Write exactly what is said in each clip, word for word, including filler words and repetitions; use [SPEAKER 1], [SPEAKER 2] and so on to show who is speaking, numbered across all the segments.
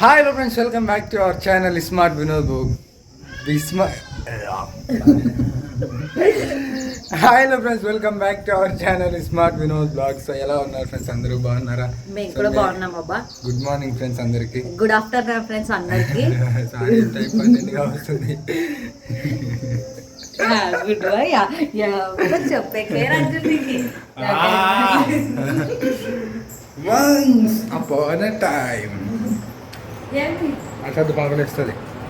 [SPEAKER 1] Hi hello friends, welcome back to our channel Smart Vinod Book. Be smart. Hi hello friends, welcome back to our channel Smart Vinod Vlog. So ఎలా ఉన్నారు friends, అందరూ బాగున్నారా?
[SPEAKER 2] మేము కూడా బాగున్నాం అబ్బా.
[SPEAKER 1] Good morning friends అందరికి.
[SPEAKER 2] Good afternoon friends అందరికి.
[SPEAKER 1] సారీ టైం పన్నెండుగా వస్తుంది.
[SPEAKER 2] గుడ్ బై యా యా చెప్పే కేర్ అంజలికి.
[SPEAKER 1] Once upon a time.
[SPEAKER 2] ఏంటి
[SPEAKER 1] అట్లా పగలేస్తుంది.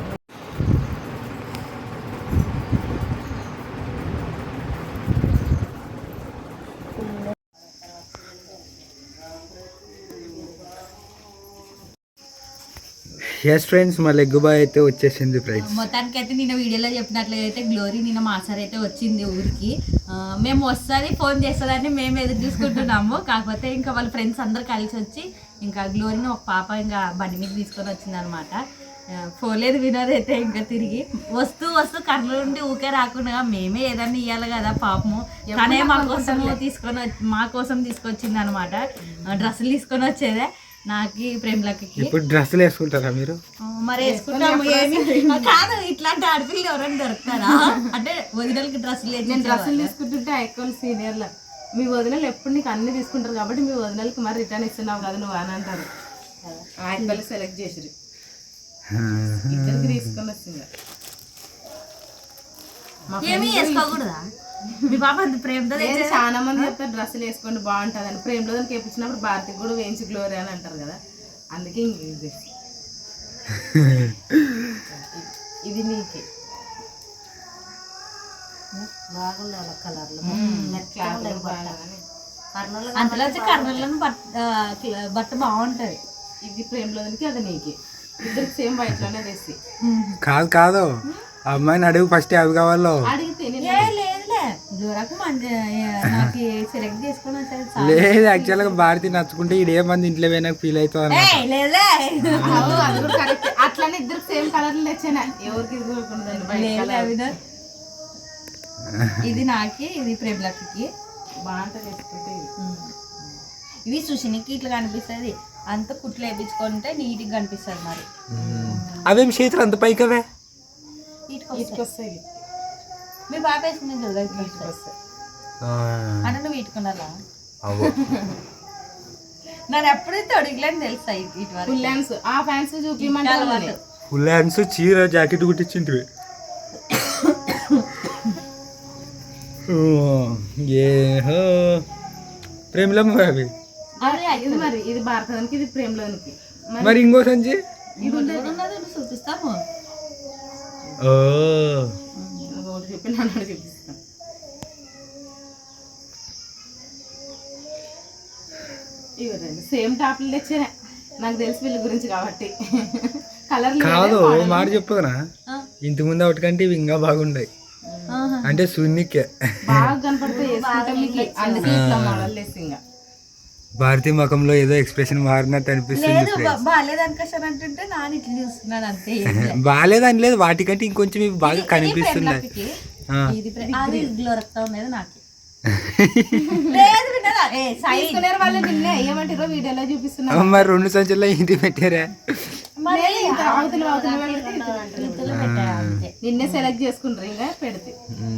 [SPEAKER 1] ఎస్ ఫ్రెండ్స్, మా లెగ్ బాయ్ అయితే వచ్చేసింది ఫ్రెండ్స్.
[SPEAKER 2] మొత్తానికి అయితే నిన్న వీడియోలో చెప్పినట్లయితే గ్లోరీ నిన్న మా సార్ అయితే వచ్చింది ఊరికి. మేము వస్తుంది ఫోన్ చేస్తుందని మేము ఎదురు చూసుకుంటున్నాము. కాకపోతే ఇంకా వాళ్ళ ఫ్రెండ్స్ అందరు కలిసి వచ్చి ఇంకా గ్లోరీని ఒక పాప ఇంకా బండి మీద తీసుకొని వచ్చింది అనమాట. పోలేదు వినోద్ అయితే ఇంకా తిరిగి వస్తూ వస్తూ కర్నూలు నుండి ఊకే రాకుండా మేమే ఏదన్నా ఇవ్వాలి కదా పాపము. తనే మా కోసం తీసుకొని మా కోసం తీసుకొచ్చింది అనమాట. డ్రెస్సులు తీసుకొని వచ్చేదే నాకు ప్రేమలకి.
[SPEAKER 1] ఇప్పుడు డ్రెస్సులు వేసుకుంటారా మీరు?
[SPEAKER 2] మరి వేసుకుంటాము. ఏమి కాదు, ఇట్లాంటి ఆడపిల్లలు ఎవరైనా దొరుకుతారా? అంటే వదినలకి డ్రెస్సులు
[SPEAKER 3] నేను డ్రెస్సులు తీసుకుంటుంటే ఎక్కువ సీనియర్లు మీ వదినలు ఎప్పుడు నీకు అన్ని తీసుకుంటారు కాబట్టి మీ వదినలకి మరి రిటర్న్ ఇస్తున్నావు కదా నువ్వు అని అంటారు. ఆయన సెలెక్ట్ చేసిరు ఇద్దరికి తీసుకొని వచ్చింది.
[SPEAKER 2] ఏమి వేసుకోకూడదా? మీ పాప అంత ప్రేమతో
[SPEAKER 3] చాలా మంది చెప్తారు డ్రెస్సులు వేసుకోండి బాగుంటుంది అని. ప్రేమలో దానికి వేయించినప్పుడు భారతికి కూడా వేయించి గ్లోరీ అని అంటారు కదా, అందుకే ఇంక ఇది ఇది నీకే
[SPEAKER 2] బాగుంది కలర్లు.
[SPEAKER 3] అంతలో
[SPEAKER 2] అంతలో కర్నూలు బట్ట బాగుంటది.
[SPEAKER 3] ఇది ప్రేమలో దానికి అది నీకే. ఇద్దరికి సేమ్ వైట్ లోనే తెసి.
[SPEAKER 1] కాదు కాదు, ఆ అమ్మాయిని అడుగు ఫస్ట్ అవి కావాలో.
[SPEAKER 3] అడిగితే
[SPEAKER 1] లేదు, యాక్చువల్ గా భారతి నచ్చుకుంటే ఇదే మంది ఇంట్లో పోయినా ఫీల్ అవుతుంది.
[SPEAKER 3] అట్లానే ఇద్దరు సేమ్ కలర్ తెచ్చాను. ఎవరికి
[SPEAKER 2] ఇది నాకి, ఇది ప్రేమలకి
[SPEAKER 3] బాగుంటుంది.
[SPEAKER 2] ఇవి సుషినికి ఇట్లా కనిపిస్తుంది. అంత కుట్లు వేయించుకుంటే నీట్గా కనిపిస్తుంది. మరి
[SPEAKER 1] అవేం చేతులు అంత పైకవే
[SPEAKER 3] ఇటుకొస్తాయి.
[SPEAKER 2] మీ పాప వేసుకునే కదా అంటే నువ్వు ఇటుకున్నారా? నాకు ఎప్పుడైతే అడిగలేని తెలుసా ఇటు
[SPEAKER 3] ఫుల్ హ్యాండ్స్. ఆ ఫ్యాన్స్ చూపించమంటే
[SPEAKER 1] ఫుల్ హ్యాండ్స్ చీర జాకెట్ కుట్టించింటివి. ఏహో ప్రేమలమ్మ అవి.
[SPEAKER 3] ఇది మరి ఇది భారతానికి, ఇది ప్రేమలోనికి.
[SPEAKER 1] మరి ఇంకో సంచి
[SPEAKER 2] చూపిస్తాము.
[SPEAKER 3] చెప్పి నన్ను చూపిస్తాను. ఇవ్వదండి సేమ్ టాప్లు తెచ్చానే. నాకు తెలిసి వీళ్ళ గురించి కాబట్టి కలర్
[SPEAKER 1] కాదు. మాట చెప్పదునా, ఇంటి ముందు ఒకటికంటే ఇవి ఇంకా బాగుంటాయి. అంటే సున్నికే
[SPEAKER 3] బాగా కనపడతాయి. అందుకే ఇట్లా మోడల్ వేసి ఇంకా
[SPEAKER 1] భారతీయ ముఖంలో ఏదో ఎక్స్ప్రెషన్ మారినట్టు అనిపిస్తుంది. బాగాలేదని లేదు, వాటికంటే ఇంకొంచెం ఇవి బాగా కనిపిస్తున్నాయి. మరి రెండు సంచుల్లో ఇంటి పెట్టారా?
[SPEAKER 3] నిన్నే సెలెక్ట్ చేసుకుంటారు ఇంకా పెడితే.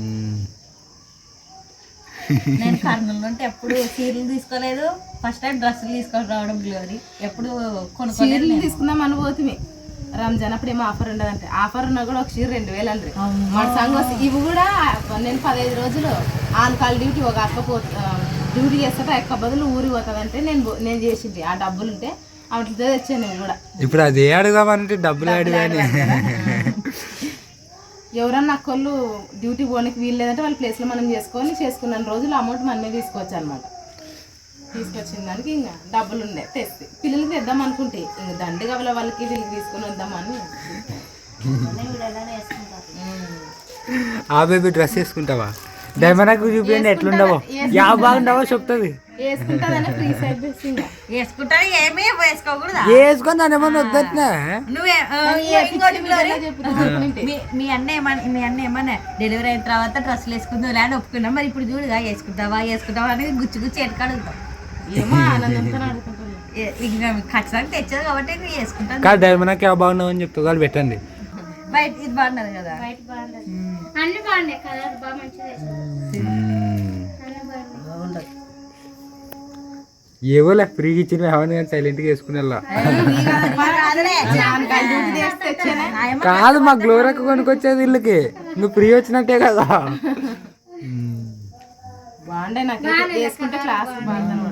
[SPEAKER 2] నేను కర్నూలు నుండి ఎప్పుడు చీరలు తీసుకోలేదు. ఫస్ట్ టైం డ్రెస్సులు తీసుకొని రావడం గ్లోరీ. ఎప్పుడు
[SPEAKER 3] చీరలు తీసుకుందాం అనుభూతిమి. రంజాన్ అప్పుడు ఏమో ఆఫర్ ఉండదంటే, ఆఫర్ ఉన్నా కూడా ఒక చీర రెండు వేలు అండి. మన సంగతి ఇవి కూడా నేను పదహైదు రోజులు ఆన్ కాల్ డ్యూటీ ఒక అక్క పో డ్యూటీ చేస్తాట ఎక్క బదులు ఊరికి పోతుంది అంటే నేను నేను చేసింది. ఆ డబ్బులు ఉంటే వాటితో తెచ్చాను నేను కూడా.
[SPEAKER 1] ఇప్పుడు అదే అడుగుదామంటే డబ్బులు అడిగాని.
[SPEAKER 3] ఎవరన్నా అక్కళ్ళు డ్యూటీ పోనీకి వీలు లేదంటే వాళ్ళ ప్లేస్లో మనం చేసుకొని చేసుకున్న రోజులు అమౌంట్ మనమే తీసుకోవచ్చు అనమాట. తీసుకొచ్చిన దానికి ఇంకా డబ్బులు ఉండే తెస్తే పిల్లలకి తెద్దాం అనుకుంటే ఇంక దండి కావాల వాళ్ళకి వీళ్ళకి తీసుకొని వద్దామని.
[SPEAKER 1] ఆ బేబీ డ్రెస్ వేసుకుంటావా? డైమండ్ చూపించండి ఎట్లుండవో, యా బాగుండవో చెప్తుంది. వేసుకొని దాని ఏమన్నా వద్దట్నా?
[SPEAKER 2] మీ అన్న ఏమన్నా మీ అన్న ఏమన్నా డెలివరీ అయిన తర్వాత డ్రెస్సులు వేసుకుందాం లేని ఒప్పుకున్నాం. మరి ఇప్పుడు చూడుగా వేసుకుంటావా వేసుకుంటావా అనేది గుచ్చి గుచ్చి ఎట్టుకడుగుతాం.
[SPEAKER 3] ఏమో ఆనందంతో అడుగుతుంటారు.
[SPEAKER 2] ఏ- ఇంకా ఖచ్చితంగా తెచ్చారు కాబట్టి ఇంకా వేసుకుంటాను.
[SPEAKER 1] కాదు డైమండ్ క్యా బాగున్నావు అని చెప్తా వాళ్ళు పెట్టండి.
[SPEAKER 2] బయట ఇది బాగున్నారు కదా.
[SPEAKER 4] అన్ని బాగున్నాయి కలర్ బాగా మంచిగా
[SPEAKER 1] ఏవో లేక ఫ్రీగా ఇచ్చిన ఏమని కానీ సైలెంట్గా వేసుకుని వెళ్ళా. కాదు మా గ్లోరక్ కొనుక్కొచ్చేది ఇల్లుకి, నువ్వు ఫ్రీ వచ్చినట్టే కదా.
[SPEAKER 3] బాగుండే నాకు వేసుకుంటే క్లాస్ బాగుంది.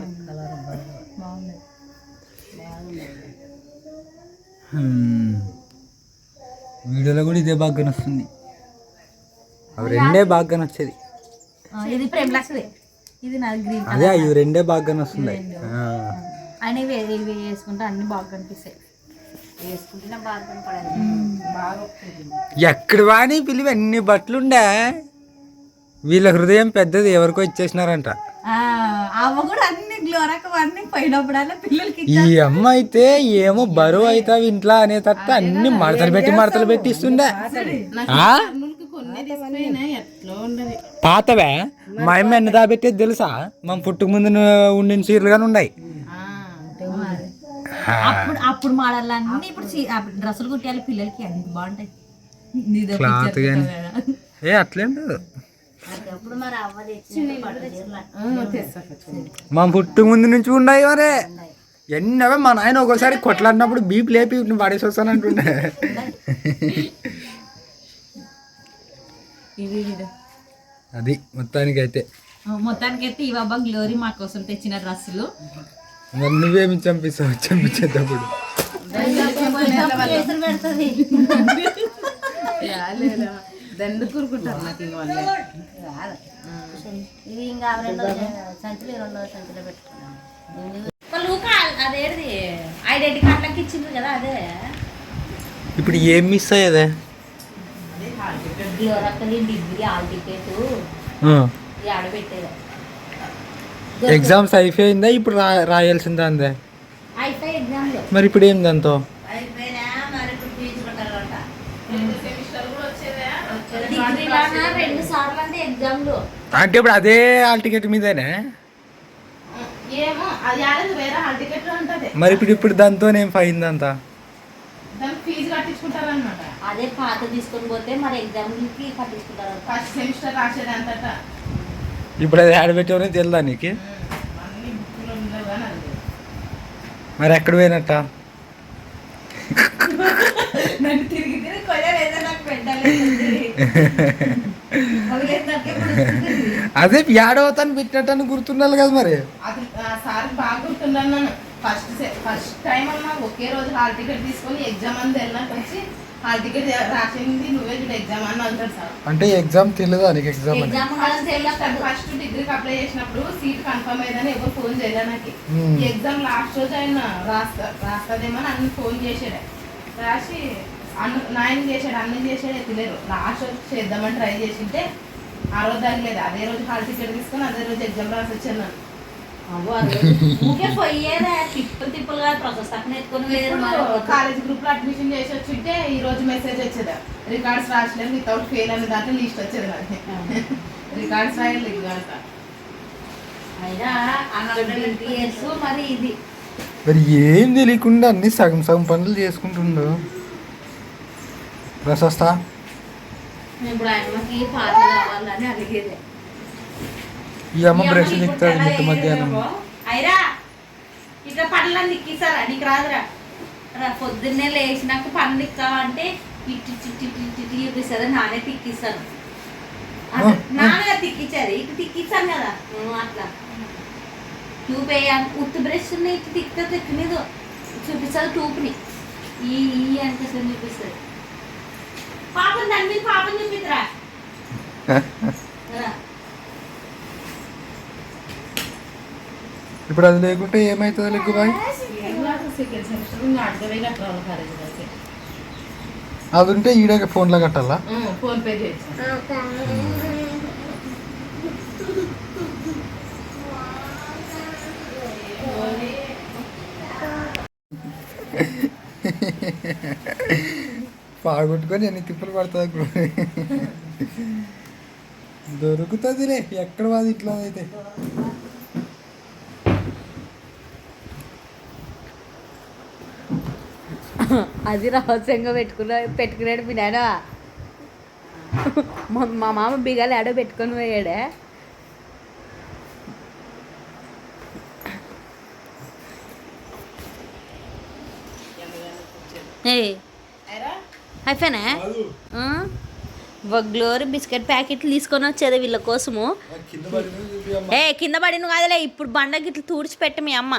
[SPEAKER 1] వీడియోలో కూడా ఇదే బాగా వస్తుంది, అవి రెండే బాగా వచ్చేది.
[SPEAKER 2] ఆ, ఇది ప్రేమ్ లాక్స్ది, ఇది నాది గ్రీన్.
[SPEAKER 1] అదే ఇవి రెండే బాగా వస్తుంది.
[SPEAKER 2] అని ఇవి ఇవి వేసుకుంటే అన్ని బాగా కనిపిస్తాయి. వేసుకుంటేనే బాగా కనపడాలి.
[SPEAKER 1] ఎక్కడ వాని పిలివి అన్ని బట్టలు ఉండే, వీళ్ళ హృదయం పెద్దది ఎవరికో ఇచ్చేసినారంట.
[SPEAKER 2] ఆ, అవ్వ కూడా అన్ని గ్లోరక్ అన్ని పోయినప్పుడల్లా పిల్లలకి
[SPEAKER 1] ఈ అమ్మ అయితే ఏమో బరువు అవుతావు ఇంట్లో అనే తప్ప అన్ని మడతలు పెట్టి మడతలు పెట్టి ఇస్తుండే. ఆ? పాతవే మా అమ్మ ఎన్ని దాబెట్టేది తెలుసా? మా పుట్టుకు ముందు ఉండిన చీరలు కానీ ఉన్నాయి.
[SPEAKER 2] అప్పుడు అప్పుడు మాడాలన్నీ ఇప్పుడు చీ- అప్పుడు డ్రెస్సులు కుట్టాలి పిల్లలకి, అన్ని బాగుంటాయి. నీదో
[SPEAKER 1] క్లాత్
[SPEAKER 2] picture
[SPEAKER 1] కానీ
[SPEAKER 2] కదా.
[SPEAKER 1] ఏ అట్లేం లేదు. మా పుట్టుకు ముందు నుంచి ఉన్నాయి మరే ఎన్నవే. మా నాయన ఒకసారి కొట్లాడినప్పుడు బీపీ లేపి పడేసి వస్తానంటుండే.
[SPEAKER 2] ఇవి ఇవి.
[SPEAKER 1] అది మొత్తానికి అయితే
[SPEAKER 2] మొత్తానికైతే ఈ బాబా గ్లోరీ మా కోసం తెచ్చిన డ్రెస్సులు.
[SPEAKER 1] మరి నువ్వేమి చంపిస్తావు చంపించేటప్పుడు?
[SPEAKER 3] దండు కూరుకుంటారు నాకు ఇంక వాళ్ళే.
[SPEAKER 4] ఇది ఇంకా రెండో సంచులు రెండో సంచులో పెట్టుకున్నాను.
[SPEAKER 2] అదేది ఐడెంటి కార్డులకి ఇచ్చిండ్రు కదా, అదే
[SPEAKER 1] ఇప్పుడు ఏం మిస్ అయ్యేదే?
[SPEAKER 2] గ్లోరక్కది డిగ్రీ ఆల్ టికెట్ ఈ ఆడబెట్టేది.
[SPEAKER 1] ఎగ్జామ్స్ అయిపోయిందా? ఇప్పుడు రా రాయాల్సిందా అందే?
[SPEAKER 2] అయిపోయి ఎగ్జామ్ లో
[SPEAKER 1] మరి ఇప్పుడు ఏం దాంతో?
[SPEAKER 2] రెండు సార్లు అంటే ఎగ్జామ్ లో.
[SPEAKER 1] అంటే ఇప్పుడు అదే హాల్ టికెట్ మీదేనే?
[SPEAKER 3] ఏమో అది ఆడదు, వేరే హాల్ టికెట్ ఉంటుంది.
[SPEAKER 1] మరి ఇప్పుడు ఇప్పుడు దాంతో ఏం ఫైన్ అంతా?
[SPEAKER 3] దానికి ఫీజు కట్టించుకుంటారు అనమాట.
[SPEAKER 2] అదే పాత తీసుకొని పోతే మరి ఎగ్జామ్ కి కట్టించుకుంటారు.
[SPEAKER 3] ఫస్ట్ సెమిస్టర్ రాసేది అంతటా.
[SPEAKER 1] ఇప్పుడు అది ఆడబెట్టేవనే తెలుదా నీకు?
[SPEAKER 3] అన్ని బుక్కులు ఉండవు కానీ అది
[SPEAKER 1] మరి ఎక్కడ పోయినట్ట?
[SPEAKER 2] నన్ను తిరిగి తిరిగి కొయ్యలేదా నాకు పెట్టలేదు.
[SPEAKER 1] అదే ఏడవతాను పెట్టినట్టు గుర్తుండాలి కదా మరి.
[SPEAKER 3] అది సార్ బాగా గుర్తున్నాను. నన్ను ఫస్ట్ ఫస్ట్ టైం అన్నా ఒకే రోజు హాల్ టికెట్ తీసుకొని ఎగ్జామ్ అని వెళ్ళినాక వచ్చి హాల్ టికెట్ రాసింది నువ్వే చూడు ఎగ్జామ్ అని అంటాడు సార్.
[SPEAKER 1] అంటే ఎగ్జామ్ తెలియదా నీకు? ఎగ్జామ్ అని
[SPEAKER 2] ఎగ్జామ్
[SPEAKER 3] ఫస్ట్ డిగ్రీకి అప్లై చేసినప్పుడు సీట్ కన్ఫర్మ్ అయ్యిందని ఎవరు ఫోన్ చేయలే నాకు.
[SPEAKER 1] Hmm.
[SPEAKER 3] ఈ ఎగ్జామ్ లాస్ట్ రోజు ఆయన రాస్తా రాస్తుందేమో అని అన్ని ఫోన్ చేసాడు. రాసి అన్న నాయన చేసాడు, అన్నం చేసాడు, ఎత్తులేరు. లాస్ట్ రోజు చేద్దామని ట్రై చేసింటే ఆ రోజు తగ్గలేదు. అదే రోజు హాల్ టికెట్ తీసుకొని అదే రోజు ఎగ్జామ్ రాసి వచ్చాను నేను.
[SPEAKER 2] ఊకే పోయేదా తిప్పులు తిప్పులుగా ప్రాసెస్ అక్కడ ఎత్తుకొని వేరు.
[SPEAKER 3] కాలేజ్ గ్రూప్ లో అడ్మిషన్ చేసి వచ్చింటే ఈ రోజు మెసేజ్ వచ్చేది రికార్డ్స్ రాసలేదు వితౌట్ ఫెయిల్ అనే దాంట్లో లిస్ట్ వచ్చేది నాకు. రికార్డ్స్ రాయలేదు అంట.
[SPEAKER 2] అయినా ట్వంటీ ఇయర్స్ మరి ఇది
[SPEAKER 1] మరి ఏం తెలియకుండా అన్ని సగం సగం పనులు చేసుకుంటుండు. ప్రశస్త
[SPEAKER 2] ఇప్పుడు ఆయనకి పాత కావాలని అడిగేది.
[SPEAKER 1] ఈ అమ్మ బ్రష్ దిక్కుతాడు మిట్ట మధ్యాహ్నం.
[SPEAKER 2] అయిరా ఇట్లా పనులను దిక్కిస్తారా? నీకు రాదురా. రా పొద్దున్నే లేచినాక పనులు దిక్కావా అంటే ఇట్టి చిట్టి ఇట్టి చూపిస్తుంది. నానే తిక్కిస్తాను, నాన్నగా తిక్కించారు. ఇటు తిక్కిస్తాను కదా అట్లా ట్యూబ్ ఉత్తి బ్రష్ ఇటు తిక్కితే తిక్కలేదు చూపిస్తుంది. ట్యూబ్ని ఈ ఈ అనిపిస్తుంది చూపిస్తుంది. పాపం దాని మీద పాపం చూపిద్దురా.
[SPEAKER 1] ఇప్పుడు అది లేకుంటే ఏమవుతుంది లెగ్గు బాయ్?
[SPEAKER 3] సెకండ్ సెమిస్టర్ ఇంకా అడ్డవే కట్టాలి కాలేజ్ అయితే.
[SPEAKER 1] అది ఉంటే ఈడే ఫోన్లో కట్టాలా?
[SPEAKER 3] ఫోన్ పే చేసి
[SPEAKER 1] పాగొట్టుకొని ఎన్ని తిప్పులు పడుతుంది. దొరుకుతుందిలే ఎక్కడ వాది ఇట్లా అయితే.
[SPEAKER 2] అది రహస్యంగా పెట్టుకున్న పెట్టుకున్నాడు మీ నాయన. మా మా మామ బిగాలు ఆడో పెట్టుకొని పోయాడే. ఏ అయిపోయినా గ్లోరీ బిస్కెట్ ప్యాకెట్లు తీసుకొని వచ్చేది వీళ్ళ కోసము. ఏ కింద పడి నువ్వు కాదులే, ఇప్పుడు బండకి ఇట్లా తుడిచిపెట్టి మీ అమ్మ.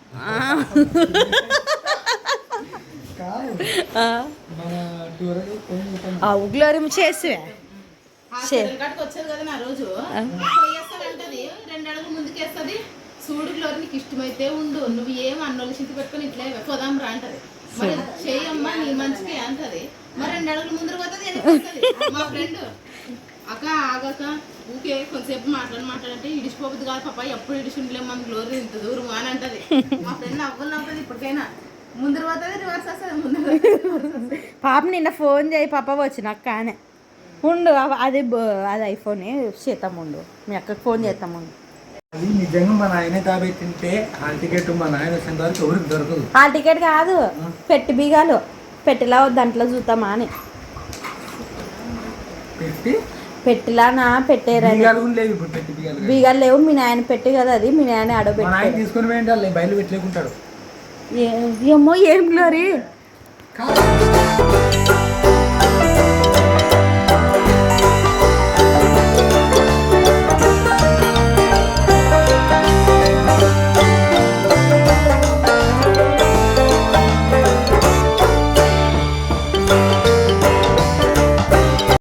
[SPEAKER 2] గ్లోరీ చేసి
[SPEAKER 3] వచ్చేది కదా నా రోజు పోయేస్తానంటది, రెండు అడుగులు ముందుకేస్తుంది. చూడు గ్లోరీ నీకు ఇష్టమైతే ఉండు, నువ్వు ఏం అన్నోళ్ళు చింత పెట్టుకొని ఇట్లా పోదాం రా అంటది. మరి చేయమ్మా నీ మంచికి అంటది. మరి రెండు అడుగులు ముందర పోతుంది. మా ఫ్రెండ్ అక్క ఆగక ఊకే కొంతసేపు మాట్లాడి మాట్లాడంటే ఇడిచిపోతుంది కాదు పాప, ఎప్పుడు ఇడిచిండలేము మన గ్లోరీ ఇంత దూరం అని అంటది. మా ఫ్రెండ్ నవ్వులు నవ్వుతుంది. ఇప్పటికైనా ముందర పోతుంది, రివర్స్ వస్తుంది. ముందర
[SPEAKER 2] పాప నిన్న ఫోన్ చేయి పాప వచ్చిన అక్క అని ఉండు. అది అది ఐఫోన్ చేద్దాం ఉండు, మీ అక్కకి ఫోన్ చేద్దాం ఉండు.
[SPEAKER 1] అది నిజంగా మా నాయన తాబెట్టింటే హాల్ టికెట్ మా నాయన వచ్చిన వరకు ఎవరికి దొరకదు.
[SPEAKER 2] హాల్ టికెట్ కాదు, పెట్టి బీగాలు పెట్టిలా దాంట్లో చూద్దామా అని.
[SPEAKER 1] పెట్టి
[SPEAKER 2] పెట్టిలానా పెట్టేరా
[SPEAKER 1] బీగాలు కూడా లేవు ఇప్పుడు. పెట్టి బీగాలు
[SPEAKER 2] బీగాలు లేవు. మీ నాయన పెట్టి కదా అది, మీ నాయన
[SPEAKER 1] మా
[SPEAKER 2] ఆడబెట్టి
[SPEAKER 1] నాయన తీసుకొని పోయింటారు, బయలు పెట్టలేకుంటాడు.
[SPEAKER 2] ఏమో ఏం గ్లోరీ.